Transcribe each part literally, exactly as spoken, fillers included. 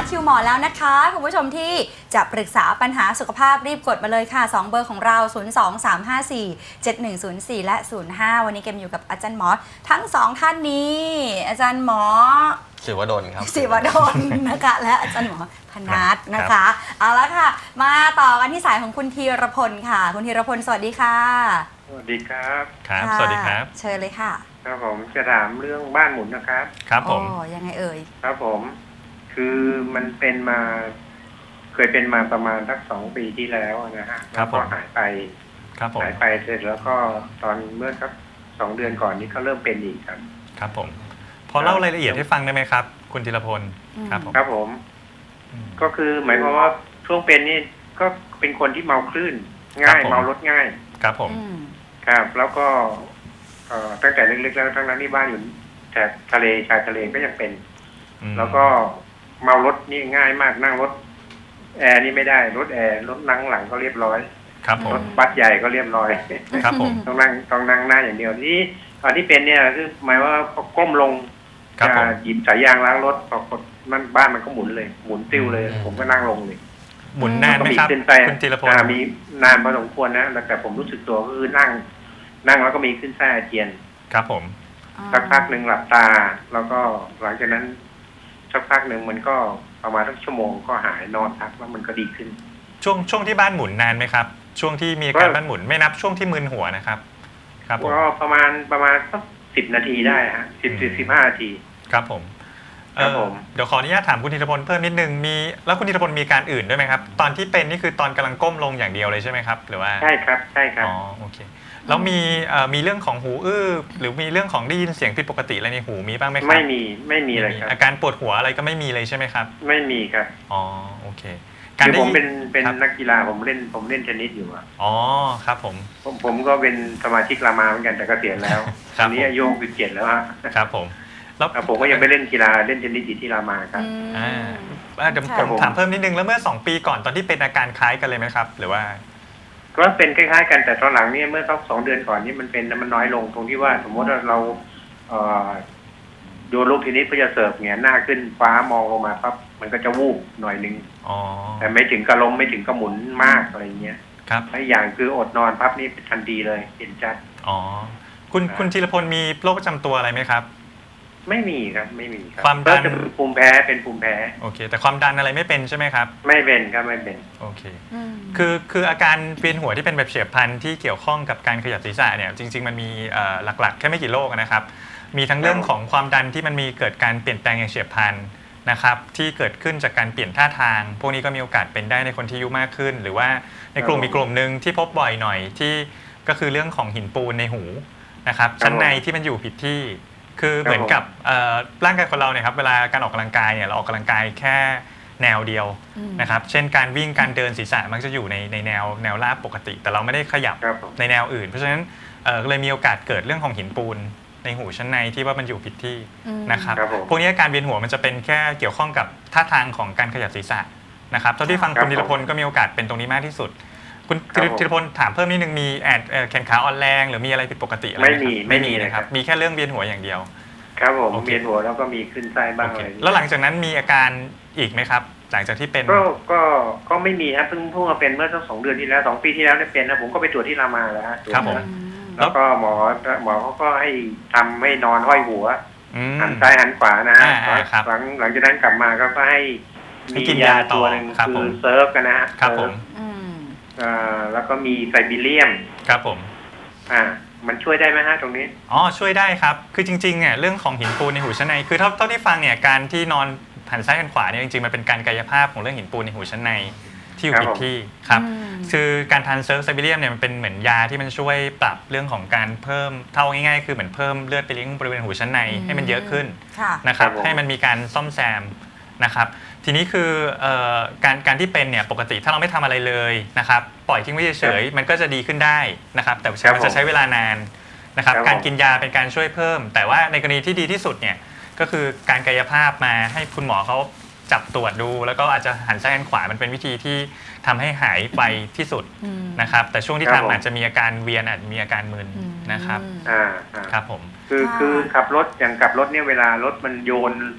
คิวหมอแล้วนะคะคุณผู้ชมที่จะปรึกษาปัญหาสุขภาพรีบกดมาเลยค่ะสองเบอร์ของเรา ศูนย์ สอง สาม ห้า สี่ เจ็ด หนึ่ง ศูนย์ สี่ และ ศูนย์ ห้า วันนี้เกมอยู่กับอาจารย์หมอทั้งสองท่านนี้อาจารย์หมอศิวดลครับศิวดลนะคะและอาจารย์หมอพนัสนะคะเอาละค่ะมาต่อกันที่สายของคุณธีรพลค่ะคุณธีรพลสวัสดีค่ะสวัสดีครับครับสวัสดีครับเชิญเลยค่ะครับผมจะถามเรื่องบ้านหมุนนะครับครับผมอ๋อยังไงเอ่ยครับผมคือมันเป็นมาเคยเป็นมาประมาณสักสองปีที่แล้วนะฮะแล้วก็หายไปครับผมหายไปเสร็จแล้วก็ตอนเมื่อสักสองเดือนก่อนนี้ก็เริ่มเป็นอีกครับครับผมพอเล่ารายละเอียดให้ฟังได้ไหมครับคุณธีรพลครับผมครับผมก็คือหมายความว่าช่วงเป็นนี่ก็เป็นคนที่เมาคลื่นง่ายเมารถง่ายครับผมครับแล้วก็ตั้งแต่เล็กๆแล้วทั้งนั้นที่บ้านอยู่แถบทะเลชายทะเลก็ยังเป็นแล้วก็เมารถนี่ง่ายมากนั่งรถแอร์นี่ไม่ได้รถแอร์รถนั่งหลังก็เรียบร้อยครับผมรถบัสใหญ่ก็เรียบร้อยครับผมต้องนั่งต้องนั่งหน้าอย่างเดียวนี่ตอนที่เป็นเนี่ยคือหมายว่าพอก้มลงจะหยิบสายยางล้างรถพอกดมันบ้านมันก็หมุนเลยหมุนติ้วเลยผมก็นั่งลงเลยหมุนนานไหมครับคุณธีรพลมีนานพอสมควรนะแต่ผมรู้สึกตัวก็คือนั่งนั่งแล้วก็มีขึ้นไส้อาเจียนครับผมสักพักหนึ่งหลับตาแล้วก็หลังจากนั้นสักพักหนึ่งมันก็ประมาณสักชั่วโมงก็หายนอนพักแล้วมันก็ดีขึ้นช่วงช่วงที่บ้านหมุนนานไหมครับช่วงที่มีอาการบ้านหมุนไม่นับช่วงที่มึนหัวนะครับครับผมก็ประมาณประมาณสักสิบนาทีได้ฮะสิบสิบสิบห้านาทีครับผมเดี๋ยวขออนุญาตถามคุณธีรพลเพิ่มนิดนึงมีแล้วคุณธีรพลมีการอื่นด้วยไหมครับตอนที่เป็นนี่คือตอนกำลังก้มลงอย่างเดียวเลยใช่ไหมครับหรือว่าใช่ครับใช่ครับอ๋อโอเคแล้วมีมีเรื่องของหูอื้อหรือมีเรื่องของได้ยินเสียงผิดปกติอะไรในหูมีบ้างไหมครับไม่มีไม่มีเลยครับอาการปวดหัวอะไรก็ไม่มีเลยใช่ไหมครับไม่มีครับอ๋อโอเคคือผมเป็นเป็นนักกีฬาผมเล่นผมเล่นเทนนิสอยู่อ่ะอ๋อครับผมผมผมก็เป็นสมาชิกรามาเหมือนกันแต่เกษียณแล้วตอนนี้อายุหกสิบเจ็ดแล้วฮะครับผมแล้วผมก็ยังไปเล่นกีฬาเล่นเทนนิสอยู่ที่รามาครับอ่าเดี๋ยวผมถามเพิ่มนิดนึงแล้วเมื่อสองปีก่อนตอนที่เป็นอาการคล้ายกันเลยไหมครับหรือว่าก็เป็นคล้ายๆกันแต่ตอนหลังนี่เมื่อสักสองเดือนก่อนนี่มันเป็นมันน้อยลงตรงที่ว่าสมมติว่าเราโยนลูกเทนนิสเพื่อจะเสิร์ฟเงี้ยหน้าขึ้นฟ้ามองลงมาปั๊บมันก็จะวูบหน่อยนึงแต่ไม่ถึงกระล้มไม่ถึงกระหมุนมากอะไรเงี้ยครับและอย่างคืออดนอนปั๊บนี่ทันทีเลยเห็นชัดอ๋อคุณคุณธีรพลมีโรคประจำตัวอะไรไหมครับไม่มีครับไม่มีครับความดันภูมิแพ้เป็นภูมิแพ้โอเคแต่ความดันอะไรไม่เป็นใช่ไหมครับไม่เป็นครับไม่เป็นโอเคคือคืออาการเวียนหัวที่เป็นแบบเฉียบพลันที่เกี่ยวข้องกับการขยับศีรษะเนี่ยจริงๆมันมีหลักๆแค่ไม่กี่โรคนะครับมีทั้งเรื่องของความดันที่มันมีเกิดการเปลี่ยนแปลงอย่างเฉียบพลันนะครับที่เกิดขึ้นจากการเปลี่ยนท่าทางพวกนี้ก็มีโอกาสเป็นได้ในคนที่อายุมากขึ้นหรือว่าในกลุ่มอีกกลุ่มนึงที่พบบ่อยหน่อยที่ก็คือเรื่องของหินปูนในหูนะครับชั้นในที่มันอยู่ผิดที่คือเหมือนกับร่างกายคนเราเนี่ยครับเวลาการออกกำลังกายเนี่ยเราออกกำลังกายแค่แนวเดียวนะครับเช่นการวิ่งการเดินศีรษะมักจะอยู่ในในแนวแนวราบปกติแต่เราไม่ได้ขยับในแนวอื่นเพราะฉะนั้นก็เลยมีโอกาสเกิดเรื่องของหินปูนในหูชั้นในที่ว่ามันอยู่ผิดที่นะครับพวกนี้การเวียนหัวมันจะเป็นแค่เกี่ยวข้องกับท่าทางของการขยับศีรษะนะครับเท่าที่ฟังคุณธีรพลก็มีโอกาสเป็นตรงนี้มากที่สุดคุณธีรพลถามเพิ่มนิดนึงมีแอดแขนขาอ่อนแรงหรือมีอะไรผิดปกติอะไรไหมไม่มีไม่มีนะครับมีแค่เรื่องเวียนหัวอย่างเดียวครับผมเวียนหัวแล้วก็มีขึ้นไส้บ้างอะไรแล้วหลังจากนั้นมีอาการอีกไหมครับหลังจากที่เป็นก็ก็ก็ไม่มีครับเพิ่งเพิ่งมาเป็นเมื่อสักสองเดือนที่แล้วสองปีที่แล้วเนี่ยเป็นนะผมก็ไปตรวจที่รามาแล้วครับผมแล้วก็หมอหมอเขาก็ให้ทำให้นอนห้อยหัวหันซ้ายหันขวานะฮะหลังหลังจากนั้นกลับมาก็ก็ให้มียาตัวหนึ่งคือเซิร์ฟกันนะครับผมอ่าแล้วก็มีไซบีเรียมครับผมอ่ามันช่วยได้ไหมฮะตรงนี้อ๋อช่วยได้ครับคือจริงๆเนี่ยเรื่องของหินปูนในหูชั้นในคือเท่าเท่าที่ฟังเนี่ยการที่นอนหันซ้ายหันขวาเนี่ยจริงๆมันเป็นการกายภาพของเรื่องหินปูนในหูชั้นในที่อยู่ผิดที่ครับคือการทานเซิร์ฟไซบีเรียมเนี่ยมันเป็นเหมือนยาที่มันช่วยปรับเรื่องของการเพิ่มเท่าง่ายๆคือเหมือนเพิ่มเลือดไปเลี้ยงบริเวณหูชั้นในให้มันเยอะขึ้นนะครับให้มันมีการซ่อมแซมนะครับทีนี้คือการการที่เป็นเนี่ยปกติถ้าเราไม่ทำอะไรเลยนะครับปล่อยทิ้งไว้เฉยๆมันก็จะดีขึ้นได้นะครับแต่มันจะใช้เวลานานนะครับการกินยาเป็นการช่วยเพิ่มแต่ว่าในกรณีที่ดีที่สุดเนี่ยก็คือการกายภาพมาให้คุณหมอเขาจับตรวจดูแล้วก็อาจจะหันซ้ายหันขวามันเป็นวิธีที่ทำให้หายไปที่สุดนะครับแต่ช่วงที่ทำอาจจะมีอาการเวียนอาจมีอาการมึนนะครับอ่าครับผมคือคือขับรถอย่างขับรถเนี่ยเวลารถมันโยน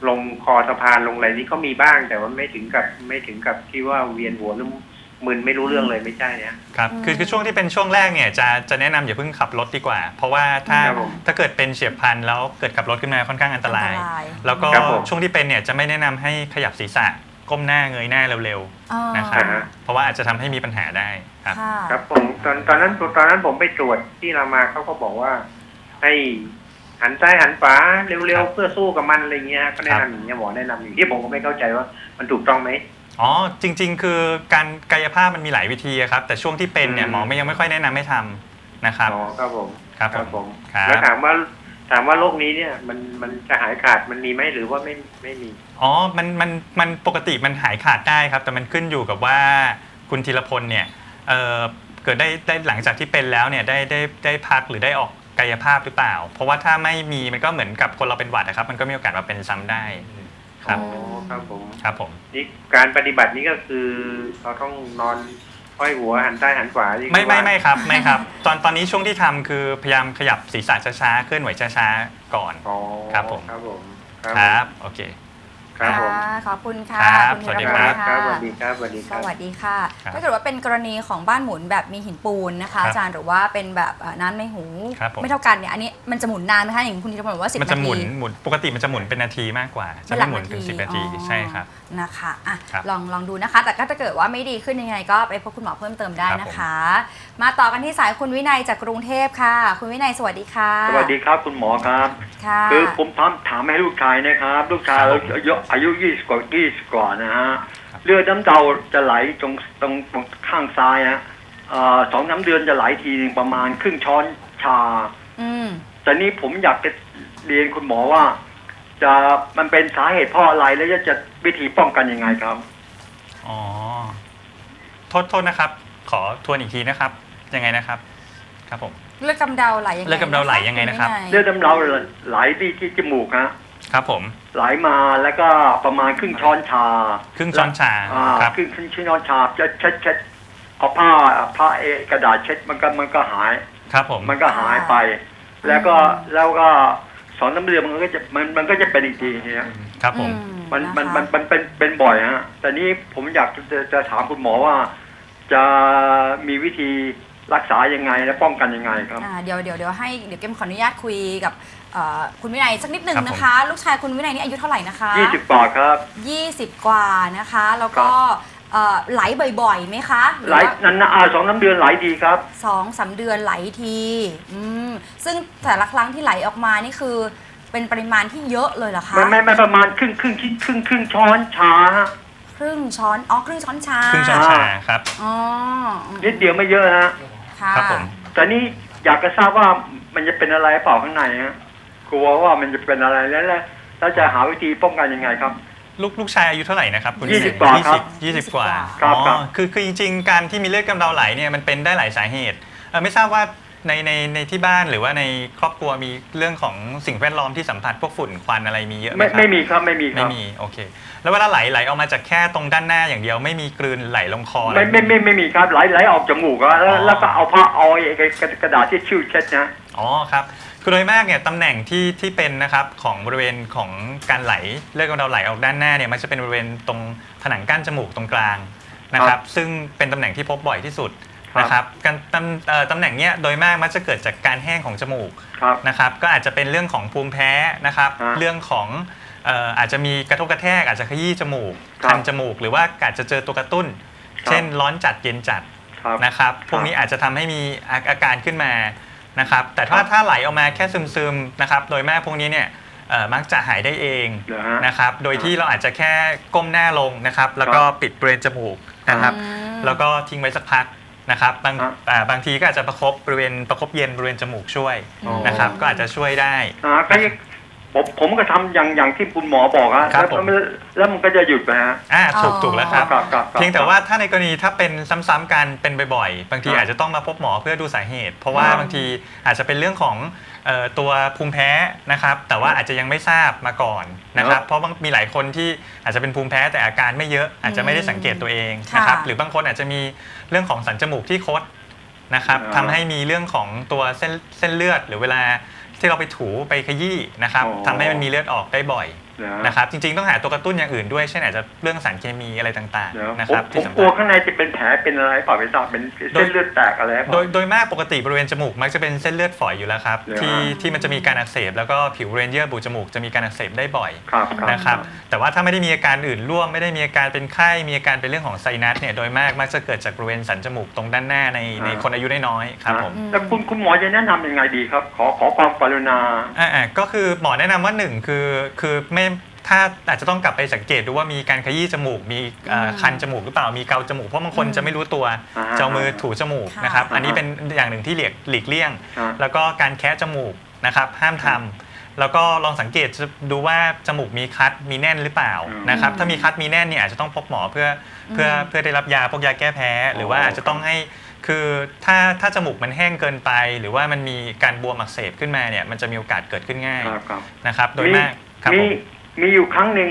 ลงคอสะพานลงอะไรนี่ก็มีบ้างแต่ว่าไม่ถึงกับไม่ถึงกับที่ว่าเวียนหัวหรือมึนไม่รู้เรื่องเลยไม่ใช่นะครับคือคือช่วงที่เป็นช่วงแรกเนี่ยจะจะแนะนำอย่าเพิ่งขับรถดีกว่า เพราะว่าถ้าครับผมถ้าเกิดเป็นเฉียบพลันแล้วเกิดขับรถขึ้นมาค่อนข้างอันตรายอันตรายแล้วก็ครับผมช่วงที่เป็นเนี่ยจะไม่แนะนำให้ขยับศีรษะก้มหน้าเงยหน้าเร็วอ๋อๆนะครับเพราะว่าอาจจะทำให้มีปัญหาได้ครับค่ะครับผมตอนตอนนั้นตอนนั้นผมไปตรวจที่รามาเขาก็บอกว่า ให้หันซ้ายหันขวาเร็วครับๆเพื่อสู้กับมันอะไรเงี้ยก็แนะนำอย่างเงี้ยหมอแนะนำอย่างที่ผมก็ไม่เข้าใจว่ามันถูกต้องไหมอ๋อจริง ๆ คือการกายภาพมันมีหลายวิธีอะครับแต่ช่วงที่เป็นเนี่ยอืมหมอไม่ยังไม่ค่อยแนะนำให้ทำนะครับอ๋อครับผมครับผมผมครับแล้วถามว่าถามว่าโรคนี้เนี่ยมันมันจะหายขาดมันมีไหมหรือว่าไม่ไม่มีอ๋อ มัน มัน มันปกติมันหายขาดได้ครับ แต่มันขึ้นอยู่กับว่าคุณธีรพลเนี่ย เออเกิดได้ได้หลังจากที่เป็นแล้วเนี่ยได้ได้ได้พักหรือได้ออกกายภาพหรือเปล่า เพราะว่าถ้าไม่มีมันก็เหมือนกับคนเราเป็นหวัดนะครับ มันก็มีโอกาสมาเป็นซ้ำได้ครับอ๋อครับผมครับผมนี่การปฏิบัตินี้ก็คือเราต้องนอนห้อยหัวหันซ้ายหันขวาที่ไม่ไม่ว่าไม่ครับ ไม่ครับ ตอนตอนนี้ช่วงที่ทำคือพยายามขยับศีรษะช้าๆ เคลื่อนไหวช้าๆ ก่อนอ๋อครับผมครับผมครับ โอเคครับผมค่ะขอบคุณค่ะครับณสวัสดีธีครรัพบลครับค่ะสวัสดีครับสวัสดีคสรับวัสดีค่ะครับถ้าเกิดว่าเป็นกรณีของบ้านหมุนแบบมีหินปูนนะคะครับอาจารย์หรือว่าเป็นแบบเอ่อน้ำในหูครับผมไม่เท่ากันเนี่ยอันนี้มันจะหมุนนานไหมคะอย่างคุณธีรพลบอกว่าสิบมันนาจะหมุนทีหมุนปกติมันจะหมุนเป็นนาทีมากกว่า จะเป็นหลัไม่กหมุนถึงสิบนาทีอ๋อใช่ครับนะคะอ่ะครับลองลองดูนะคะ แต่ก็ถ้าเกิดว่าไม่ดีขึ้นยังไงก็ไปพบคุณหมอเพิ่มเติมได้ครับนะคะ มาต่อกันที่สายคุณวินัยจากกรุงเทพค่ะ คุณวินัยสวัสดีค่ะสวัสดีครับคุณหมอครับค่ะคือผมถามถามให้ลูกชายนะครับ ลูกชายครับอายุอายุยี่สิบกว่ายี่สิบกว่านะฮะครับเลือดน้ำเดาจะไหลตรงตรงตรงข้างซ้ายฮะเอ่อสองน้ำเดือนจะไหลทีนึงประมาณครึ่งช้อนชาอืมแต่นี้ผมอยากจะเรียนคุณหมอว่า จะมันเป็นสาเหตุเพราะอะไรแล้วจะจะวิธีป้องกันยังไงครับอ๋อ โทษโทษนะครับ ขอทวนอีกทีนะครับ ยังไงนะครับ ครับผมเลือดกำเดาไหลยังไงเลือดกำเดาไหลยังไงนะครับณวิยเลือดน้ำเดาไหลที่ที่จมูกฮะครับผมไหลมาแล้วก็ประมาณครึ่งช้อนชาครึ่งช้อนชาอ่าครับครึ่งครึ่งช้อนชาจะเช็ดเช็ดเอาผ้าผ้าเอกระดาษเช็ดมันก็มันก็หายครับผมมันก็หายไป แล้วก็แล้วก็สอนน้ำเลือดมันก็จะมันมันก็จะเป็นอีกทีเนี่ยครับผมอืมันมันะคะมันมันเป็นเป็นบ่อยฮะแต่นี้ผมอยากจะจะถามคุณหมอว่า จะมีวิธีรักษายังไงและป้องกันยังไงครับอ่าเดี๋ยวเดี๋ยวเดี๋ยวให้เดี๋ยวเกมขออนุญาตคุยกับเอ่อคุณวินัยสักนิดหนึ่งครับผมนะคะ ลูกชายคุณวินัยนี่อายุเท่าไหร่นะคะยี่สิบกว่าครับยี่สิบกว่านะคะ แล้วก็เอ่อไหลบ่อยๆไหมคะรือไหลว่านั้นนะอ่าสองน้ำเดือนไหลดีครับสองสามเดือนไหลทีอืมซึ่งแต่ละครั้งที่ไหลออกมานี่คือเป็นปริมาณที่เยอะเลยเหรอคะไม่ไม่ไม่ประมาณครึ่งครึ่งครึ่งครึ่งครึ่งช้อนชาฮะครึ่งช้อนอ๋อครึ่งช้อนชาครึ่งช้อนชาครับอ๋อนิดเดียวไม่เยอะฮะค่ะครับผมแต่นี่อยากจะทราบว่ามันจะเป็นอะไรเปล่าข้างในฮะกลัวว่ามันจะเป็นอะไรแล้วแล้วแล้วจะหาวิธีป้องกันยังไงครับลูกลูกชายอายุเท่าไหร่นะครับคุณยี่สิบกว่าครับยี่สิบกว่าครับอ๋อครับคือคือจริงๆ การที่มีเลือดกำเดาไหลเนี่ยมันเป็นได้หลายสาเหตุเอ่อไม่ทราบว่าในในในที่บ้านหรือว่าในครอบครัวมีเรื่องของสิ่งแวดล้อมที่สัมผัสพวกฝุ่นควันอะไรมีเยอะไหมไม่ครับไม่มีครับไม่มีคไม่รับมีโอเค แล้วเวลาไหลไหลออกมาจากแค่ตรงด้านหน้าอย่างเดียวไม่มีกลืนไหลลงคออะไรไม่ไม่ไม่ไม่มีครับไหลไหลออกจมูกอะแล้วอ๋อแล้วก็เอาผ้าเอาไอ้กระกระดาษที่ชิ่วเช็ดนะอ๋อครับคือโดยมากเนี่ยตำแหน่งที่ที่เป็นนะครับของบริเวณของการไหลเลือดกำเดาไหลออกด้านหน้าเนี่ยมันจะเป็นบริเวณตรงผนังกั้นจมูกตรงกลางนะครับซึ่งเป็นตำแหน่งที่พบบ่อยที่สุดนะครับการตำเอ่อตำแหน่งเนี้ยโดยมากมักจะเกิดจากการแห้งของจมูกครับนะครับก็อาจจะเป็นเรื่องของภูมิแพ้นะครับฮะเรื่องของเอ่ออาจจะมีกระทบกระแทกอาจจะขยี้จมูกครับคันจมูก หรือว่าอาจจะเจอตัวกระตุ้นครับเช่นร้อนจัดเย็นจัดครับนะครับพวกนี้อาจจะทำให้มีอาอาการขึ้นมานะครับแต่ถ้าครับถ้าไหลออกมาแค่ซึมๆนะครับโดยมากพวกนี้เนี่ยเอ่อมักจะหายได้เองเหรอฮะนะครับโดยที่เราอาจจะแค่ก้มหน้าลงนะครับแล้วก็ปิดบริเวณจมูกนะครับอืมแล้วก็ทิ้งไว้สักพักนะครับบางครับอ่าบางทีก็อาจจะประคบบริเวณประคบเย็นบริเวณจมูกช่วยอ๋อนะครับก็อาจจะช่วยได้อ่าก็ยังผมผมก็ทำอย่างอย่างที่คุณหมอบอกฮะครับแล้วผมแล้วแล้วมันก็จะหยุดไปฮะอ่าถูกอ๋อถูกแล้วครับครับครับครับเพียงแต่ว่าถ้าในกรณีถ้าเป็นซ้ำๆกันเป็นบ่อยๆ บางทีครับอาจจะต้องมาพบหมอเพื่อดูสาเหตุ เพราะว่าครับบางทีอาจจะเป็นเรื่องของเอ่อตัวภูมิแพ้นะครับแต่ว่าอาจจะยังไม่ทราบมาก่อนนะคครัรับบ เพราะบางมีหลายคนที่อาจจะเป็นภูมิแพ้แต่อาการไม่เยอะอาจจะไม่ได้สังเกตตัวเองนะครับค่ะหรือบางคนอาจจะมีเรื่องของสันจมูกที่คดนะครับอ่าทำให้มีเรื่องของตัวเส้นเส้นเลือด หรือเวลาที่เราไปถูไปขยี้นะครับอ๋อทำให้มันมีเลือดออกได้บ่อยนะครับจริงๆต้องหาตัวกระตุ้นอย่างอื่นด้วยเช่นอาจจะเรื่องสารเคมีอะไรต่างๆนะผคมรับผที่มสำกลัวคัญข้างในจะเป็นแผลเป็นอะไรเปล่าไม่ทราบเป็นเส้นเลือดแตกอะไรโดยโดยมากปกติบริเวณจมูกมักจะเป็นเส้นเลือดฝอยอยู่แล้วครับที่ที่มันจะมีการอักเสบแล้วก็ผิวบริเวณเยื่อบุจมูกจะมีการอักเสบได้บ่อยครับนะครับแต่ว่าถ้าไม่ได้มีอาการอื่นร่วมไม่ได้มีอาการเป็นไข้มีอาการเป็นเรื่องของไซนัสเนี่ยโดยมากมักจะเกิดจากบริเวณสันจมูกตรงด้านหน้าในในคนอายุน้อยๆครับผมแล้วคุณคุณหมอจะแนะนำยังไงดีครับขอขอความกรุณาอ่าก็คือหมอแนะนำว่าหนึ่งคือคือไม่ถ้าอาจจะต้องกลับไปสังเกตดูว่ามีการขยี้จมูกมีคันจมูกหรือเปล่ามีเกาจมูกเพราะบางคนจะไม่รู้ตัวเจ้ามือถูจมูกนะครับอันนี้เป็นอย่างหนึ่งที่หลีกเลี่ยงแล้วก็การแคะจมูกนะครับห้ามทำแล้วก็ลองสังเกตดูว่าจมูกมีคัดมีแน่นหรือเปล่านะครับถ้ามีคัดมีแน่นเนี่ยอาจจะต้องพบหมอเพื่อเพื่อเพื่อได้รับยาพวกยาแก้แพ้หรือว่าอาจจะต้องให้คือถ้าถ้าจมูกมันแห้งเกินไปหรือว่ามันมีการบวมอักเสบขึ้นมาเนี่ยมันจะมีโอกาสเกิดขึ้นง่ายนะครับโดยมากครับผมมีอยู่ครั้งหนึ่ง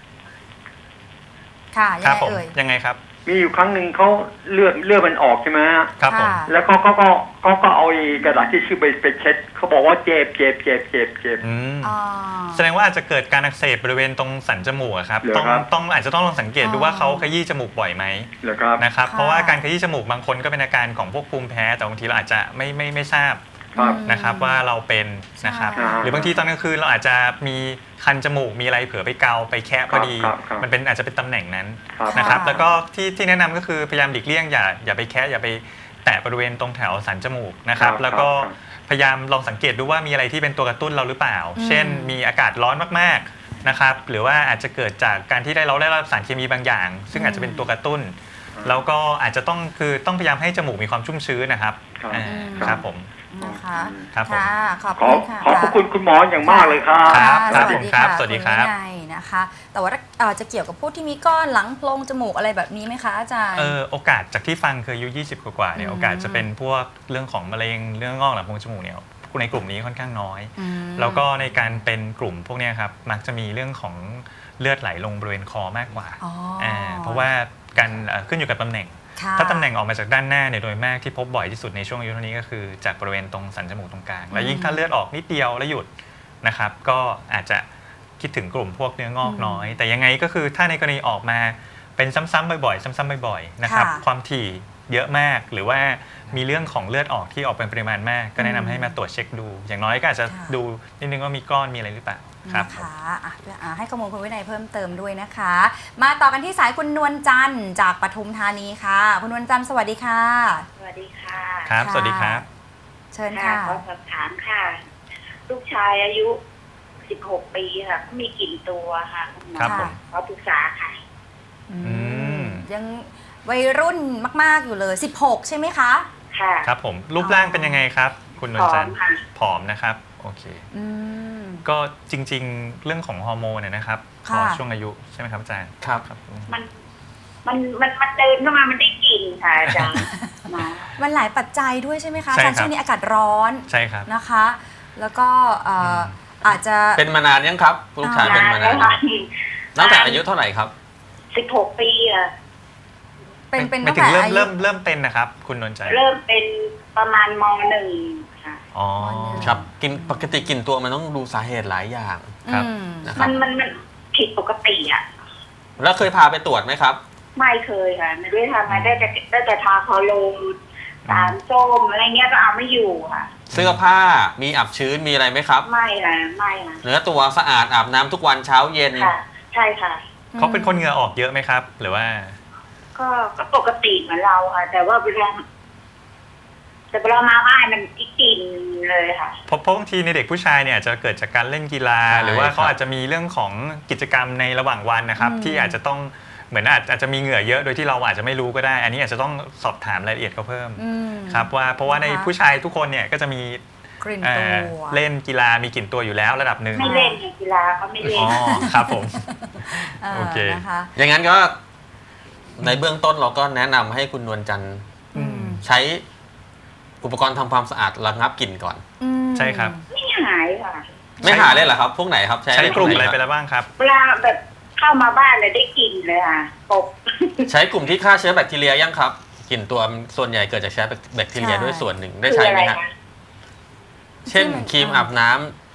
ค่ะยังครับไงผมเอ่ยยังไงครับมีอยู่ครั้งหนึ่งเขาเลือดเลือดมันออกใช่ไหมฮะครับผมค่ะแล้วเขาก็ก็ก็ก็เอาไอ้กระดาษที่ชื่อไปไปเช็ดเขาบอกว่าเจ็บเจ็บเจ็บเจ็บเจ็บอืมอ๋อแสดงว่าอาจจะเกิดการอักเสบบริเวณตรงสันจมูกอะครับเหรอต้องครับต้องอาจจะต้องลองสังเกตดูอ๋อว่าเขาขยี้จมูกบ่อยไหมเหรอครับนะครับค่ะเพราะว่าการขยี้จมูกบางคนก็เป็นอาการของพวกภูมิแพ้แต่บางทีเราอาจจะไม่ไม่ไม่ทราบครับนะครับว่าเราเป็นนะครับใช่หรือบางทีตอนกลางคืนเราอาจจะมีคันจมูกมีอะไรเผลอไปเกาไปแคะพอดีครับครับมันเป็นอาจจะเป็นตำแหน่งนั้นครับนะครับค่ะแล้วก็ที่ที่แนะนำก็คือพยายามหลีกเลี่ยงอย่าอย่าไปแคะอย่าไปแตะบริเวณตรงแถวสันจมูกนะครับครับแล้วก็ครับพยายามลองสังเกตดูว่ามีอะไรที่เป็นตัวกระตุ้นเราหรือเปล่าอืมเช่น มีอากาศร้อนมากๆนะครับหรือว่าอาจจะเกิดจากการที่ได้เราได้รับสารเคมีบางอย่าง ซึ่งอาจจะเป็นตัวกระตุ้น แล้วก็อาจจะต้องคือต้องพยายามให้จมูกมีความชุ่มชื้นนะครับครับอ่าอืมครับผมนะคะครับผมค่ะขอบขอคุณค่ะขอบพระคุณคุณหมออย่างมากเลยครับครับค่ะผมครับสวัสดีครับณวินัยนะคะ แต่ว่าเอ่อจะเกี่ยวกับพวกที่มีก้อนหลังโพรงจมูกอะไรแบบนี้ไหมคะอาจารย์เออโอกาสจากที่ฟังคืออายุยี่สิบกว่าๆเนี่ยอืมโอกาสจะเป็นพวกเรื่องของมะเร็งเรื่องงอกหลังโพรงจมูกเนี่ยในกลุ่มนี้ค่อนข้างน้อยอืมแล้วก็ในการเป็นกลุ่มพวกเนี้ยครับมักจะมีเรื่องของเลือดไหลลงบริเวณคอมากกว่าอ๋ออ่าเพราะว่าการเอ่อขึ้นอยู่กับตำแหน่งค่ะถ้าตำแหน่งออกมาจากด้านหน้าเนี่ยโดยมากที่พบบ่อยที่สุดในช่วงอายุเท่านี้ก็คือจากบริเวณตรงสันจมูกตรงกลาง แล้วยิ่งถ้าเลือดออกนิดเดียวแล้วหยุดนะครับก็อาจจะคิดถึงกลุ่มพวกเนื้องอกน้อย แต่ยังไงก็คือถ้าในกรณีออกมาเป็นซ้ำๆบ่อยๆซ้ำๆบ่อยๆนะครับค่ะความถี่เยอะมากหรือว่ามีเรื่องของเลือดออกที่ออกเป็นปริมาณมาก ก็แนะนำให้มาตรวจเช็คดู อย่างน้อยก็อาจจะค่ะดูนิดนึงว่ามีก้อนมีอะไรหรือเปล่าครับนะคะอ่ะอ่ะให้ข้อมูลคุณวินัยเพิ่มเติมด้วยนะคะ มาต่อกันที่สายคุณนวลจันทร์จากปทุมธานีค่ะ คุณนวลจันทร์สวัสดีค่ะสวัสดีค่ะครับค่ะสวัสดีครับเชิญค่ะค่ะขอสอบถามค่ะ ลูกชายอายุสิบหกปีค่ะเขามีกลิ่นตัวค่ะคุณหมอครับผมขอปรึกษาค่ะอืมมยังวัยรุ่นมาก ๆ อยู่เลย สิบหก ใช่ไหมคะค่ะครับผมรูปร่างเป็นยังไงครับ คุณนวลจันทร์ผอมค่ะผอมนะครับโอเคอืมก็จริงๆ เรื่องของฮอร์โมนเนี่ยนะครับค่ะรอช่วงอายุใช่ไหมครับอาจารย์ครับครับมัน มันมันมันเดินเข้ามามันได้กลิ่นค่ะอาจารย์หมอมันหลายปัจจัยด้วยใช่ไหมคะใช่อาจารย์ครับช่วงนี้อากาศร้อนใช่ครับนะคะ แล้วก็เอ่ออาจจะเป็นมานานยังครับลูกชายเป็นมานานยังตั้งแต่อายุเท่าไหร่ครับสิบหกปีอะเป็นเป็นไม่ตั้งถึงแต่เริ่มอายุเริ่มเริ่มเป็นนะครับ คุณนวลจันทร์เริ่มเป็นประมาณมหนึ่งค่ะอ๋อครับกินปกติกินตัวมันต้องดูสาเหตุหลายอย่างครับอืมนะคมัรับนมันมันผิดปกติอ่ะแล้วเคยพาไปตรวจไหมครับไม่เคยค่ะ ไม่ได้ทำมาได้แต่ได้แต่ทาคอโลนสารส้มอะไรเงี้ยก็เอาไม่อยู่ค่ะเสื้อผ้ามีอับชื้นมีอะไรไหมครับไม่ค่ะไม่ค่ะเนื้อตัวสะอาดอาบน้ำทุกวันเช้าเย็นค่ะ ใช่ค่ะเขาเป็นคนเหงื่อออกเยอะไหมครับ หรือว่าก็ก็ปกติเหมือนเราค่ะ แต่ว่าเวลาแต่เวลามาบ้านมันอีกกลิ่นเลยค่ะเพราะเพราะบางทีในเด็กผู้ชายเนี่ยอาจจะเกิดจากการเล่นกีฬาใช่หรือว่าเขาครับอาจจะมีเรื่องของกิจกรรมในระหว่างวันนะครับอืมที่อาจจะต้องเหมือนอาจอาจจะมีเหงื่อเยอะโดยที่เราอาจจะไม่รู้ก็ได้ อันนี้อาจจะต้องสอบถามรายละเอียดเขาเพิ่มอืมครับว่าเพราะว่าในนะคะผู้ชายทุกคนเนี่ยก็จะมีกลิ่นเอ่ตัอวเล่นกีฬามีกลิ่นตัวอยู่แล้วระดับหนึ่งไม่เล่นกีฬาเขาไม่เล่อ๋นอครับผมาโอเคนะคะอย่างนั้นก็ในเบื้องต้นเราก็แนะนำให้คุณนวลจันทร์อืมใช้อุปกรณ์ทำความสะอาดระงับกลิ่นก่อนอืมใช่ครับไม่หายค่ะไม่หาเลยเหรอครับ พวกไหนครับใช้ใช้กลุ่มอะไรหนไปคบแล้วบ้างครับเวลาแบบเข้ามาบ้านเลยได้กลิ่นเลยค่ะปบใช้กลุ่มที่ฆ่าเชื้อแบคทีเรียยังครับกลิ่นตัวมันส่วนใหญ่เกิดจากเชื้อแบคทีเรียด้วยส่วนหนึ่งได้ใช้ไหมฮะ เช่นครีมอาบน้ำ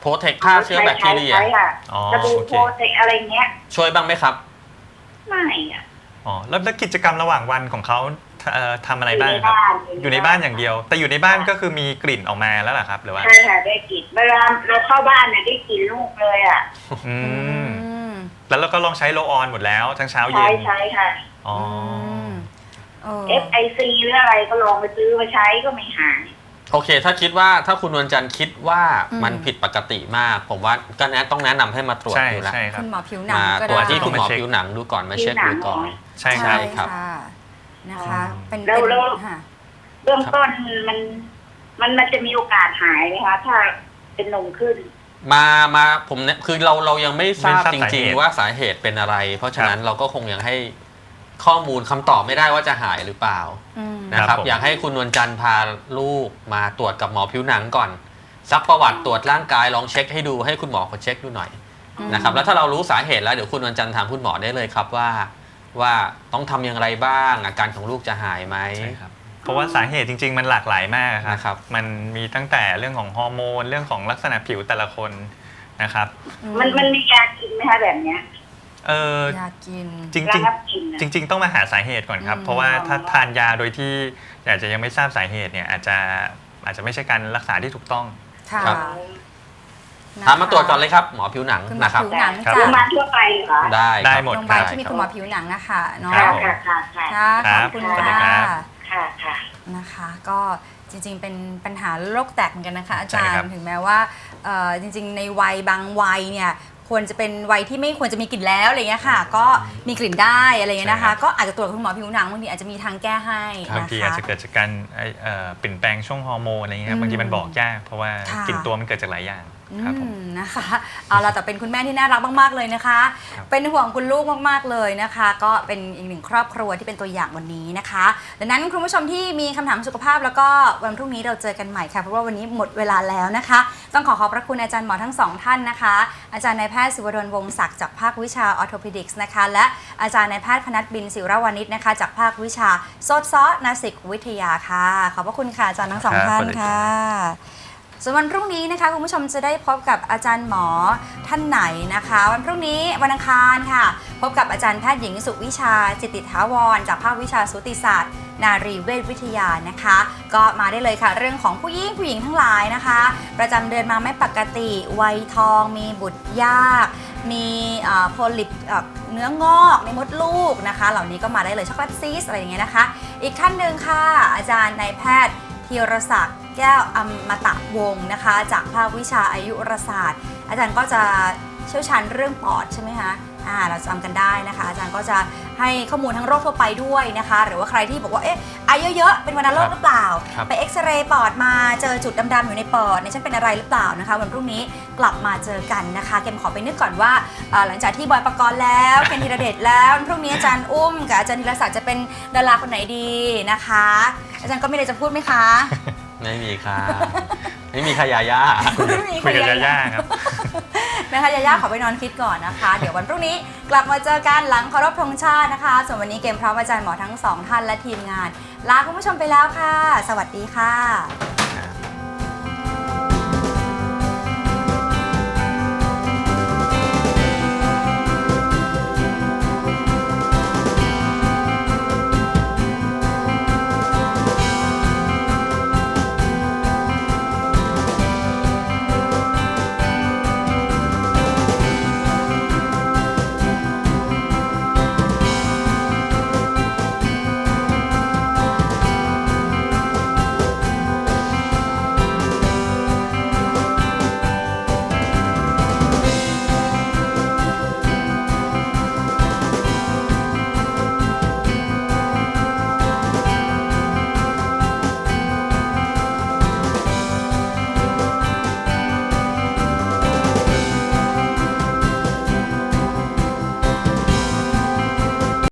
โปรเทคฆ่าเชื้อแบคทีเรียใช้ค่ะอ๋อสบู่โอเคโปรเทคอะไรเงี้ยช่วยบ้างไหมครับไม่อะอ๋อแล้วแล้วกิจกรรมระหว่างวันของเขาเอ่อทำอะไรบ้างอยู่ในครับบ้านอยู่ในบ้านอย่างเดียว แต่อยู่ในบ้านก็คือมีกลิ่นออกมาแล้วเหรอครับหรือว่าใช่ค่ะได้กลิ่นเวลาเราเข้าบ้านเนี่ยได้กลิ่นลูกเลยอ่ะอืมอืมแล้วเราก็ลองใช้โรลออนหมดแล้วทั้งเช้าเย็ใช้นใช้ค่ะอ๋อมเออเอฟ ไอ ซี หรืออะไรก็ลองไปซื้อมาใช้ก็ไม่หายโอเค ถ้าคิดว่าถ้าคุณนวลจันทร์คิดว่าอืมมันผิดปกติมาก ผมว่าก็แนะต้องแนะนำให้มาตรวจใช่ดูแลวใช่ครับคุณหมอผิวหนังมาก็ตรวจได้ที่คุณหมอต้องมาเช็คผิวหนังดูก่อนมาเช็คดูก่อนใช่คใช่รับครับค่ะนะคะ เป็นแล้วเป็นแล้วค่ะเบื้องต้นมันมันมันจะมีโอกาสหายไหมคะถ้าเป็นนมขึ้นมามาผมเนี่ยคือเราเรายังไม่ทราบไม่ทราบจสาเหริงตุๆว่าสาเหตุเป็นอะไร เพราะฉะนั้นเราก็คงยังให้ข้อมูลคำตอบไม่ได้ว่าจะหายหรือเปล่าอืมนะคครัรับบผมอยากให้คุณนวลจันทร์พาลูกมาตรวจกับหมอผิวหนังก่อนซักประวัติตรวจร่างกายลองเช็คให้ดูให้คุณหมอเขาเช็คดูหน่อยอืมนะครับแล้วถ้าเรารู้สาเหตุแล้วเดี๋ยวคุณนวลจันทร์ถามคุณหมอได้เลยครับว่า ว่าต้องทำอย่างไรบ้างอาการของลูกจะหายไหมใช่ครับเพราะว่าสาเหตุจริง ๆ มันหลากหลายมากคนะครัรับ มันมีตั้งแต่เรื่องของฮอร์โมนเรื่องของลักษณะผิวแต่ละคนนะครับมันมันมียากินไหมคะแบบเนี้ยเอออยากกินจริงระจริงงับกลิ่นอะจริง ๆ ต้องมาหาสาเหตุก่อนครับอืมเพราะว่าถ้าทานยาโดยที่อาจจะยังไม่ทราบสาเหตุเนี่ยอาจจะอาจจะไม่ใช่การรักษาที่ถูกต้องค่ะครับนะคะถามมาตรวจก่อนเลยครับหมอผิวหนังคุณหมอนะครับผิวหนังครับโรจากงพยาบาลทั่วไปเหรอคะได้ได้ครับหมดโรงพยาบาลได้ที่มีครับคุณหมอผิวหนังนะคะเนาะครัค่ะบค่ะค่ะค่ะค่ะขครัอบบ คุณสวัสดีค่ะครับค่ะค่ะนะคะ ก็จริงๆเป็นปัญหาโรคแตกเหมือนกันนะคะ อาจารใช่ครัย์บถึงแม้ว่าเอ่อจริงๆ ในวัยบางวัยเนี่ยควรจะเป็นวัยที่ไม่ควรจะมีกลิ่นแล้วอะไรเงี้ยค่ะ ก็มีกลิ่นได้อะไรเงี้ยนะคะ ก็อาจจะตรวจกับคุณหมอผิวหนังบางทีอาจจะมีทางแก้ให้บางนะทีอาจคะจะเกิดจากการไอ้เอ่อเปลี่ยนแปลงช่วงฮอร์โมนอะไรเงี้ยครับอืมบางทีมันบอกยากเพราะว่าค่ะกลิ่นตัวมันเกิดจากหลายอย่างครับผมอืมนะคะเอาละแต่เป็นคุณแม่ที่น่ารักมากๆเลยนะคะครับเป็นห่วงคุณลูกมากๆเลยนะคะ ก็เป็นอีกหนึ่งครอบครัวที่เป็นตัวอย่างวันนี้นะคะดังนั้นคุณผู้ชมที่มีคำถามสุขภาพแล้วก็วันพรุ่งนี้เราเจอกันใหม่ค่ะเพราะว่าวันนี้หมดเวลาแล้วนะคะ ต้องขอขอบพระคุณอาจารย์หมอทั้งสองท่านนะคะ อาจารย์นายแพทย์ศิวดลวงศ์ศักดิ์จากภาควิชาออร์โทพ e ดิกส์นะคะและอาจารย์นายแพทย์พนัสบินศิรวานิชนะคะจากภาควิชาโซดซอนาสิกวิทยาค่ะขอบพระคุณค่ะอาจารย์ทั้งสองครับท่านสวัสดีครับค่ะส่วนวันพรุ่งนี้นะคะคุณผู้ชมจะได้พบกับอาจารย์หมอท่านไหนนะคะ วันพรุ่งนี้วันอังคารค่ะ พบกับอาจารย์แพทย์หญิงสุวิชาจิตติถาวรจากภาควิชาสูติศาสตร์ นารีเวชวิทยานะคะ ก็มาได้เลยค่ะเรื่องของผู้หญิงผู้หญิงทั้งหลายนะคะ ประจำเดือนมาไม่ปกติวัยทองมีบุตรยาก มีโพลิปเนื้องอกในมดลูกนะคะ เหล่านี้ก็มาได้เลยช็อกโกแลตซีสอะไรอย่างเงี้ยนะคะ อีกท่านหนึ่งค่ะ อาจารย์นายแพทย์ธีรศักดิ์แก้วอมตะวงศ์นะคะ จากภาควิชาอายุรศาสตร์ อาจารย์ก็จะเชี่ยวชาญเรื่องปอดใช่ไหมคะอ่าเราจำกันได้นะคะ อาจารย์ก็จะให้ข้อมูลทั้งโรคทั่วไปด้วยนะคะ หรือว่าใครที่บอกว่าเอ๊ะอายุเยอะๆเป็นวัณโรคหรือเปล่าครับไปเอ็กซเรย์ปอดมาเจอจุดดำๆอยู่ในปอดเนี่ยฉันเป็นอะไรหรือเปล่านะคะวันพรุ่งนี้กลับมาเจอกันนะคะเกมขอไปนึกก่อนว่าเอ่อหลังจากที่บอยปกรณ์แล้วเคนธีรเดชแล้ววันพรุ่งนี้อาจารย์อุ้มกับอาจารย์ธีรศักดิ์จะเป็นดาราคนไหนดีนะคะ อาจารย์ก็มีอะไรจะพูดไหมคะไม่มีครับไม่มีขยาย่าไม่มีคุยกับใครยาย่าครับนะคะยาย่าขอไปนอนคิดก่อนนะคะ เดี๋ยววันพรุ่งนี้กลับมาเจอกันหลังเคารพธงชาตินะคะ ส่วนวันนี้เกมพร้อมอาจารย์หมอทั้งสองท่านและทีมงาน ลาคุณผู้ชมไปแล้วค่ะ สวัสดีค่ะ